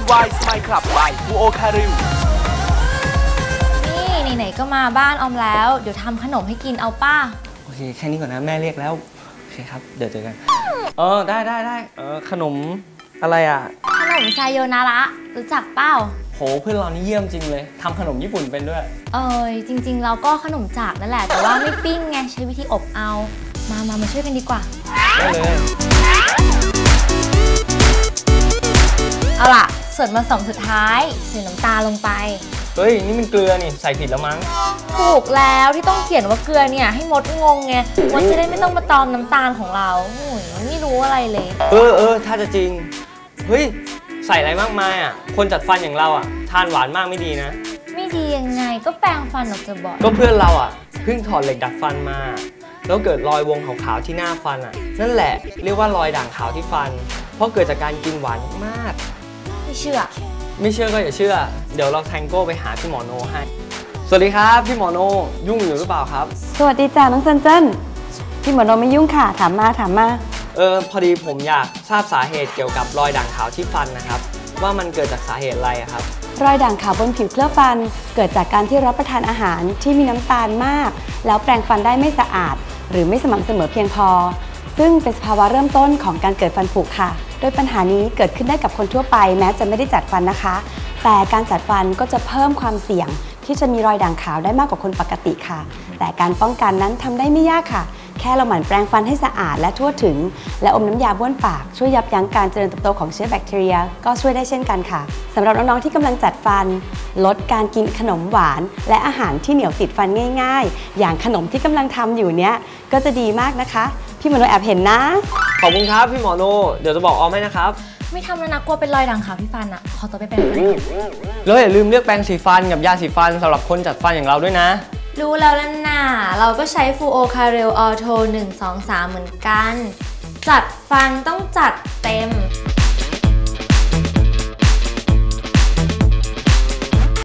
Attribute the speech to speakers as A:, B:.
A: DIY Smile Club by ฟูโอคาริว
B: นี่ไหนๆก็มาบ้านออมแล้วเดี๋ยวทำขนมให้กินเอาป้า
C: โอเคแค่นี้ก่อนนะแม่เรียกแล้วโอเคครับเดี๋ยวเจอกันได้ขนมอะไรอ่ะ
B: ขนมไซโยนาระรู้จักเป้า
C: โหเพื่อนเรานี่เยี่ยมจริงเลยทำขนมญี่ปุ่นเป็นด้วย
B: จริงๆเราก็ขนมจากนั่นแหละแต่ว่าไม่ปิ้งไงใช้วิธีอบเอามาช่วยกันดีกว่า
C: ได้เลย
B: เอาล่ะส่วนผสมสุดท้ายใส่น้ำตาลลงไป
C: เฮ้ยนี่มันเกลือนี่ใส่ผิดแล้วมั้ง
B: ถูกแล้วที่ต้องเขียนว่าเกลือเนี่ยให้มดงงไงมดจะได้ไม่ต้องมาตอมน้ำตาลของเราไม่รู้อะไรเลย
C: ถ้าจะจริงเฮ้ยใส่อะไรมากมายอ่ะคนจัดฟันอย่างเราอ่ะทานหวานมากไม่ดีนะ
B: ไม่ดียังไงก็แปรงฟันออกจะบอก
C: ก็เพื่อนเราอ่ะเพิ่งถอดเหล็กดัดฟันมาแล้วเกิดรอยวงขาวๆที่หน้าฟันอ่ะนั่นแหละเรียกว่ารอยด่างขาวที่ฟันเพราะเกิดจากการกินหวานมาก
B: ไม่เชื่อ
C: ก็อย่าเชื่อเดี๋ยวเราแทงโก้ไปหาพี่หมอโนให้สวัสดีครับพี่หมอโนยุ่งอยู่หรือเปล่าครับ
D: สวัสดีจ้าน้องเซนเจิ้นพี่หมอโนไม่ยุ่งค่ะถามมา
C: พอดีผมอยากทราบสาเหตุเกี่ยวกับรอยด่างขาวที่ฟันนะครับว่ามันเกิดจากสาเหตุอะไรครับ
D: รอยด่างขาวบนผิวเคลือบฟันเกิดจากการที่รับประทานอาหารที่มีน้ำตาลมากแล้วแปรงฟันได้ไม่สะอาดหรือไม่สม่ำเสมอเพียงพอซึ่งเป็นสภาวะเริ่มต้นของการเกิดฟันผุค่ะโดยปัญหานี้เกิดขึ้นได้กับคนทั่วไปแม้จะไม่ได้จัดฟันนะคะแต่การจัดฟันก็จะเพิ่มความเสี่ยงที่จะมีรอยด่างขาวได้มากกว่าคนปกติค่ะแต่การป้องกันนั้นทำได้ไม่ยากค่ะแค่เราหมั่นแปรงฟันให้สะอาดและทั่วถึงและอมน้ำยาบ้วนปากช่วยยับยั้งการเจริญเติบโตของเชื้อแบคทีเรียก็ช่วยได้เช่นกันค่ะสำหรับน้องๆที่กำลังจัดฟันลดการกินขนมหวานและอาหารที่เหนียวติดฟันง่ายๆอย่างขนมที่กำลังทำอยู่เนี้ยก็จะดีมากนะคะพี่หมอโนแอบเห็นนะ
C: ขอบคุณครับพี่หมอโนเดี๋ยวจะบอกออมให้นะครับ
B: ไม่ทำแล้วนะกลัวเป็นรอยด่างขาวที่ฟันอ่ะขอตัวไปแปรงฟัน
C: แล้วอย่าลืมเลือกแปรงสีฟันกับยาสีฟันสำหรับคนจัดฟันอย่างเราด้วยนะ
B: รู้แล้วล่ะน่ะเราก็ใช้ฟูโอคาเรลออโท123เหมือนกันจัดฟันต้องจัดเต็ม